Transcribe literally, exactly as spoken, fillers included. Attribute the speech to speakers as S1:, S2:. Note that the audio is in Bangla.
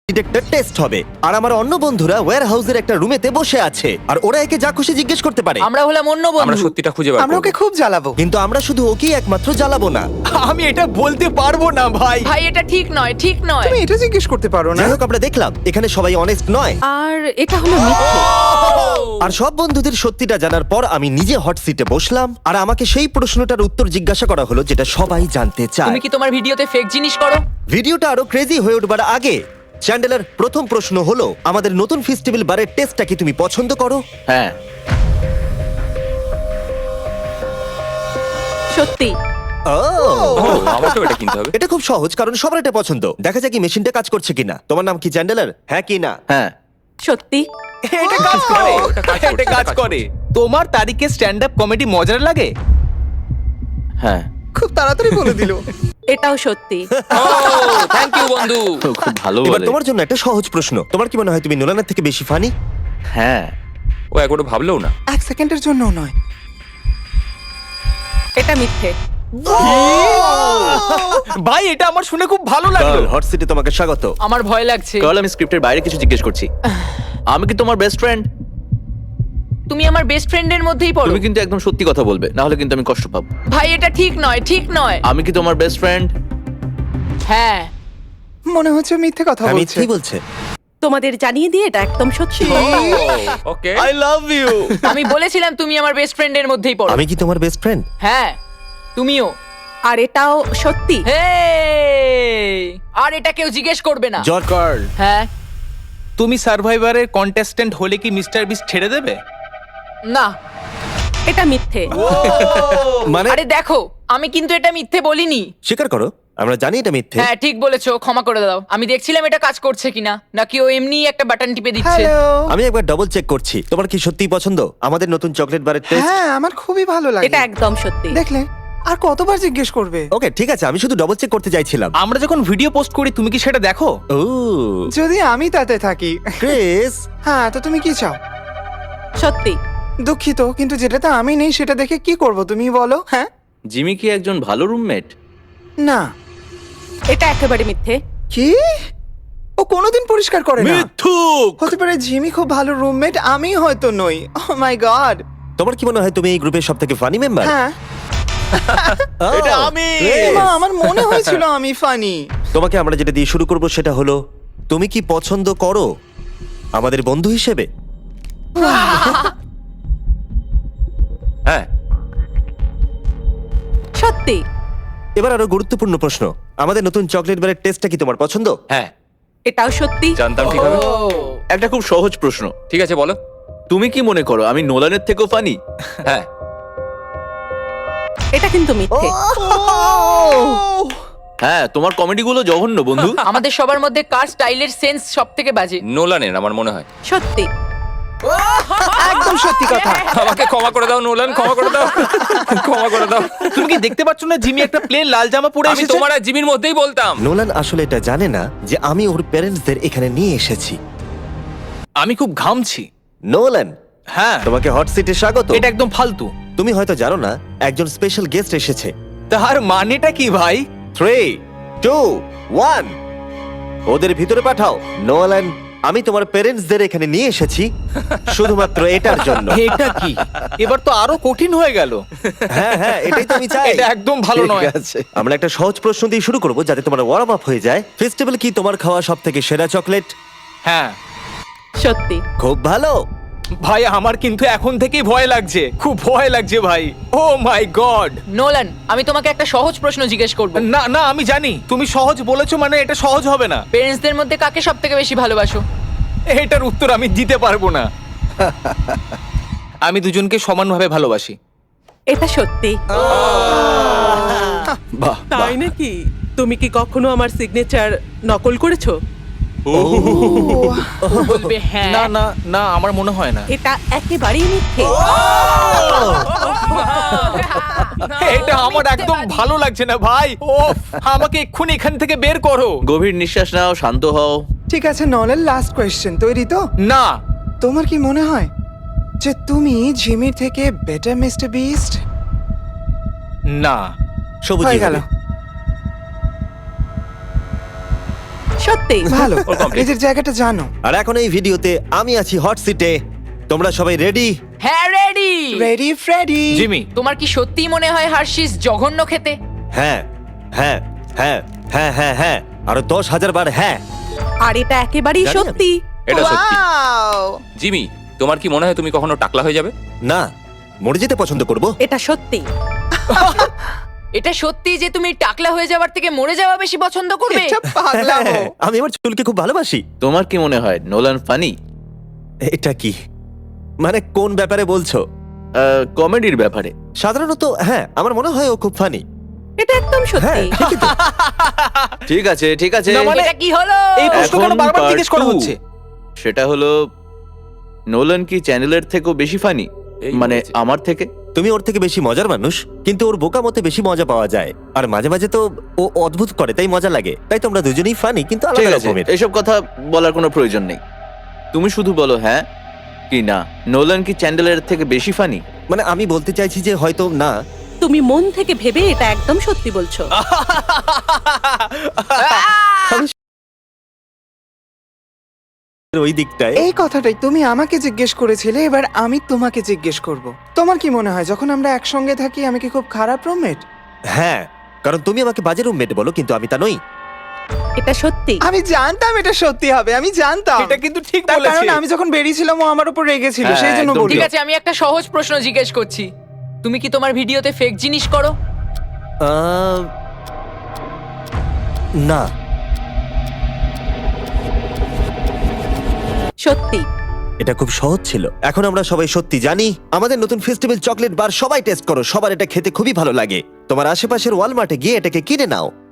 S1: ডিটেক্টর টেস্ট হবে আর আমার অন্য বন্ধুরা ওয়্যার হাউসের একটা রুমেতে বসে আছে আর ওরা একে যা খুশি জিজ্ঞেস করতে পারে।
S2: আমরা হলাম অন্য
S3: আমরা
S2: বন্ধু।
S3: সত্যিটা খুঁজে বার
S4: আমরা
S3: করব।
S4: ওকে খুব জ্বালাবো।
S1: কিন্তু আমরা শুধু ওকেই একমাত্র জ্বালাবো না।
S5: আমি এটা বলতে পারবো না ভাই।
S2: ভাই এটা ঠিক নয়, ঠিক নয়।
S4: তুমি এটা জিজ্ঞেস করতে পারো না।
S1: যাই হোক, আমরা দেখলাম এখানে সবাই অনেস্ট নয়
S6: আর এটা হলো মিথ্যে।
S1: আর সব বন্ধুদের সত্যিটা জানার পর আমি নিজে হট সিটে বসলাম আর আমাকে সেই প্রশ্নটার উত্তর জিজ্ঞাসা করা হলো যেটা সবাই জানতে চায়।
S2: তুমি কি তোমার ভিডিওতে ফেক জিনিস করো?
S1: ভিডিওটা আরো ক্রেজি হয়ে উঠবার আগে চ্যান্ডেলার প্রথম প্রশ্ন হলো, আমাদের নতুন ফেস্টিভ্যাল বারের টেস্টটা কি তুমি পছন্দ করো?
S5: হ্যাঁ,
S6: সত্যি।
S1: ও,
S3: ও, আমাকেও এটা কিনতে হবে।
S1: এটা খুব সহজ কারণ সবার এটা পছন্দ। দেখা যাক কি মেশিনটা কাজ করছে কিনা। তোমার নাম কি চ্যান্ডেলার? হ্যাঁ কি না?
S5: হ্যাঁ,
S6: সত্যি।
S5: এটা কাজ করে।
S3: এটা কাজ করছে,
S5: এটা কাজ
S3: কাজ
S5: করে। তোমার তারিখে স্ট্যান্ড আপ কমেডি মজার লাগে? হ্যাঁ,
S4: খুব তাড়াতাড়ি বলে দিল।
S6: এটাও সত্যি।
S3: ও থ্যাংক ইউ বন্ধু।
S5: খুব ভালো
S1: এবার
S5: বলে।
S1: তোমার জন্য একটা সহজ প্রশ্ন। তোমার কি মনে হয় তুমি নোলানের থেকে বেশি ফানি?
S5: হ্যাঁ,
S3: ও একবারও ভাবলেও না।
S4: এক সেকেন্ডের জন্য নয়।
S6: এটা মিথ্যে।
S5: ভাই এটা আমার শুনে খুব ভালো লাগলো।
S1: হট সিটে তোমাকে স্বাগত।
S2: আমার ভয় লাগছে।
S5: কাল আমি স্ক্রিপ্টের বাইরে কিছু জিজ্ঞেস করছি। আমি কি তোমার বেস্ট ফ্রেন্ড?
S2: তুমি আমার বেস্ট ফ্রেন্ডের মধ্যেই পড়ো।
S5: তুমি কিন্তু একদম সত্যি কথা বলবে, না হলে কিন্তু আমি কষ্ট পাবো।
S2: ভাই এটা ঠিক নয়, ঠিক নয়।
S5: আমি কি তোমার বেস্ট ফ্রেন্ড?
S2: হ্যাঁ,
S4: মনে হচ্ছে মিথ্যে কথা
S1: আমি
S4: বলছে।
S1: কি বলছে?
S6: তোমাদের জানিয়ে দিয়ে এটা একদম সত্যি।
S3: ওকে।
S5: I love you.
S2: আমি বলেছিলাম তুমি আমার বেস্ট ফ্রেন্ডের মধ্যেই পড়ো।
S1: আমি কি তোমার বেস্ট ফ্রেন্ড?
S2: হ্যাঁ, তুমিও।
S6: আর এটাও সত্যি।
S2: হেই! আর এটা কেউ জিজ্ঞেস করবে না।
S1: জর্জ,
S5: কার্ল,
S2: হ্যাঁ,
S5: তুমি সার্ভাইভারের কন্টেস্ট্যান্ট হলে কি মিস্টার বিস্ট ছেড়ে দেবে?
S2: না।
S6: এটা মিথ্যে।
S1: মানে
S2: আরে দেখো, আমি কিন্তু এটা মিথ্যে বলিনি।
S1: স্বীকার করো, আমরা জানি এটা মিথ্যে।
S2: হ্যাঁ, ঠিক বলেছো, ক্ষমা করে দাও। আমি দেখছিলাম এটা কাজ করছে কিনা, নাকি ও এমনি একটা বাটন টিপে দিচ্ছে।
S4: হ্যালো।
S1: আমি একবার ডবল চেক করছি। তোমার কি সত্যিই পছন্দ আমাদের নতুন চকলেট বারের টেস্ট?
S4: হ্যাঁ, আমার খুবই ভালো লাগে।
S6: এটা একদম সত্যি।
S4: দেখলে আর কতবার জিজ্ঞেস করবে?
S1: ওকে ঠিক আছে, আমি শুধু ডবল চেক করতে চাইছিলাম।
S5: আমরা যখন ভিডিও পোস্ট করি তুমি কি সেটা দেখো?
S1: ও
S4: যদি আমি তাতে থাকি।
S1: ক্রিস,
S4: হ্যাঁ, তো তুমি কি চাও?
S6: সত্যি।
S4: দুঃখিত, কিন্তু যেটাতে আমি নেই সেটা দেখে কি করব তুমি বলো? হ্যাঁ,
S5: জিমি কি একজন ভালো রুমমেট?
S4: না।
S6: এটা একেবারে মিথ্যে।
S4: কি? ও কোনোদিন পরিষ্কার করে না।
S5: মিথ্যুক।
S4: হতে পারে জিমি খুব ভালো রুমমেট, আমি হয়তো নই। Oh my god.
S1: তোমার কি মনে হয় তুমি এই গ্রুপের সবথেকে ফানি মেম্বার?
S4: হ্যাঁ,
S5: এটা আমি।
S4: এমা, আমার মনে হয়েছিল আমি ফানি।
S1: তোমাকে আমরা যেটা দিয়ে শুরু করব সেটা হলো, তুমি কি পছন্দ করো আমাদের বন্ধু হিসেবে?
S3: হ্যাঁ,
S6: সত্যি।
S1: এবার আরো গুরুত্বপূর্ণ প্রশ্ন, আমাদের নতুন চকলেট বারের টেস্টটা কি তোমার পছন্দ?
S3: হ্যাঁ,
S6: এটাও সত্যি।
S3: জানতাম ঠিক হবে।
S2: ও,
S5: একটা খুব সহজ প্রশ্ন।
S3: ঠিক আছে বলো।
S5: তুমি কি মনে করো আমি নোলানের থেকেও ফানি?
S3: হ্যাঁ,
S6: এটা কিন্তু মিথ্যে।
S5: হ্যাঁ, তোমার কমেডিগুলো জঘন্য বন্ধু।
S2: আমাদের সবার মধ্যে কার স্টাইলের সেন্স সব থেকে বাজে?
S3: নোলানের আমার মনে হয়।
S6: সত্যি।
S4: একদম সত্যি কথা।
S3: আমাকে ক্ষমা করে দাও নোলান, ক্ষমা করে দাও, ক্ষমা করে দাও।
S5: তুমি কি দেখতে পাচ্ছ না জিমি একটা প্লেন লাল জামা পরে
S3: আমি
S5: এসেছে?
S3: তোমার আর জিমির মধ্যেই বলতাম।
S1: নোলান আসলে এটা জানে না যে আমি ওর প্যারেন্টসদের এখানে নিয়ে এসেছি।
S5: আমি খুব ঘামছি।
S1: নোলান,
S5: হ্যাঁ,
S1: তোমাকে হট সিটে স্বাগত।
S5: এটা একদম ফালতু।
S1: তুমি হয়তো জানো না একজন স্পেশাল গেস্ট এসেছে।
S5: তার মানেটা কি ভাই?
S1: থ্রি টু ওয়ান, ওদের ভিতরে পাঠাও। নোলান, আমি তোমার প্যারেন্টসদের এখানে নিয়ে এসেছি শুধুমাত্র এটার জন্য।
S5: এটা কি? এবার তো আরো কঠিন হয়ে গেল।
S1: হ্যাঁ হ্যাঁ, এটাই তো আমি চাই।
S5: এটা একদম ভালো
S1: ঠিক
S5: নয়।
S1: আছে, আমরা একটা সহজ প্রশ্ন দিয়ে শুরু করব যাতে তোমার ওয়ার্ম আপ হয়ে যায়। ফেস্টিভ্যাল কি তোমার খাওয়া সব থেকে সেরা চকলেট?
S5: হ্যাঁ
S6: সত্যি।
S1: খুব ভালো।
S5: ভাই, আমার কিন্তু এখন থেকেই ভয় লাগছে, খুব ভয় লাগছে ভাই। ও মাই গড।
S2: নোলান, আমি তোমাকে একটা সহজ প্রশ্ন জিজ্ঞেস করব।
S5: না না, আমি জানি তুমি সহজ বলেছো মানে এটা সহজ হবে না।
S2: পেরেন্টসদের মধ্যে কাকে সব থেকে বেশি ভালোবাসো?
S5: এটার উত্তর আমি দিতে পারবো না। আমি দুজনকে সমানভাবে ভালোবাসি।
S6: এটা সত্যি।
S1: বাহ,
S7: তাই নাকি? তুমি কি কখনো আমার সিগনেচার নকল করেছো?
S2: বলবে হ্যাঁ।
S5: না না না, আমার মনে হয় না।
S6: এটা একেবারেই মিথ্যে।
S5: এটা আমার একদম ভালো লাগছে না ভাই। ও, আমাকে এক্ষুনি এখান থেকে বের করো। গভীর নিঃশ্বাস নাও, শান্ত হও।
S4: ঠিক আছে, নলের লাস্ট কোয়েশ্চেন তৈরি তো?
S5: না,
S4: তোমার কি মনে হয় যে তুমি জিমির থেকে বেটার মিস্টার বিস্ট?
S5: না।
S1: সবুজ
S4: হয়ে গেল।
S6: সত্যি
S4: ভালো
S3: ওর complete।
S4: নিজের জায়গাটা জানো।
S1: আর এখন এই ভিডিওতে আমি আছি হট সিটে। তোমরা সবাই রেডি?
S2: হ্যাঁ রেডি
S4: রেডি ফ্রেডি।
S5: জিমি
S2: তোমার কি সত্যিই মনে হয় হার্শিস জঘন্য খেতে?
S1: হ্যাঁ হ্যাঁ হ্যাঁ হ্যাঁ হ্যাঁ হ্যাঁ আরো দশ হাজার বার হ্যাঁ।
S6: আর এটা একেবারেই
S1: জানি আমি।
S6: সত্যি।
S3: এটা সত্যি
S4: Wow!
S3: জিমি, তোমার কি মনে হয় তুমি কখনো টাকলা হয়ে যাবে?
S1: না, মরে যেতে পছন্দ করব।
S6: এটা সত্যি।
S2: এটা সত্যি যে তুমি টাকলা হয়ে যাওয়ার থেকে মরে যাওয়া বেশি পছন্দ করবে?
S4: এটা পাগলামো।
S1: হ্যাঁ, আমি আমার চুলকে খুব ভালোবাসি।
S5: তোমার কি মনে হয় নোলান ফানি?
S1: এটা কি মানে কোন ব্যাপারে বলছো?
S5: কমেডির ব্যাপারে।
S1: সাধারণত হ্যাঁ, আমার মনে হয় ও খুব ফানি।
S6: এটা একদম
S1: হ্যাঁ
S6: সত্যি।
S1: ঠিকই তো।
S5: ঠিক আছে ঠিক আছে
S3: না, মানে-
S2: এটা কি হলো?
S3: এই প্রশ্ন
S5: এখন
S3: কেন বারবার
S5: part
S3: জিজ্ঞেস করা
S5: two।
S3: হচ্ছে?
S5: সেটা হলো নোলান কি চ্যানেলের থেকেও বেশি ফানি?
S3: এই
S5: মানে
S3: বলেছে।
S5: আমার থেকে?
S1: তুমি ওর থেকে বেশি মজার মানুষ, কিন্তু ওর বোকা মতে বেশি মজা পাওয়া যায়। আর মাঝে মাঝে তো ও অদ্ভুত করে, তাই মজা লাগে। তাই তোমরা দুজনেই ফানি, কিন্তু
S5: ঠিক
S1: আলাদা
S5: আছে
S1: রকমের।
S5: এসব কথা বলার কোনো প্রয়োজন নেই। তুমি শুধু বলো হ্যাঁ কি না। নোলান কি চ্যান্ডেলের থেকে বেশি ফানি?
S1: মানে আমি বলতে চাইছি যে হয়তো না।
S6: তুমি মন থেকে ভেবে এটা একদম সত্যি বলছো।
S1: ওই দিকটায়
S4: এই কথাটাই তুমি আমাকে জিজ্ঞেস করেছিলে, এবার আমি তোমাকে জিজ্ঞেস করব। তোমার কি মনে হয় যখন আমরা একসঙ্গে থাকি আমি কি খুব খারাপ রুমমেট?
S1: হ্যাঁ, কারণ তুমি আমাকে বাজে রুমমেট বলো, কিন্তু আমি তা নই।
S6: এটা সত্যি।
S4: আমি জানতাম এটা সত্যি হবে, আমি জানতাম।
S3: এটা কিন্তু ঠিক
S4: তার
S3: বলেছে।
S4: কারণ আমি যখন বেরিয়েছিলাম ও আমার উপর রেগেছিল,
S5: হ্যাঁ,
S4: সেই জন্য
S5: একদম
S4: বলি।
S2: ঠিক আছে, আমি একটা সহজ প্রশ্ন জিজ্ঞেস করছি। তুমি কি তোমার ভিডিওতে ফেক জিনিস করো?
S1: আহ, না।
S6: সত্যি।
S1: এটা খুব সহজ ছিল। এখন আমরা সবাই সত্যি জানি। আমাদের নতুন ফেস্টিভ্যাল চকলেট বার সবাই টেস্ট করো, সবার এটা খেতে খুবই ভালো লাগে। তোমার আশেপাশের ওয়ালমার্টে গিয়ে এটাকে কিনে নাও।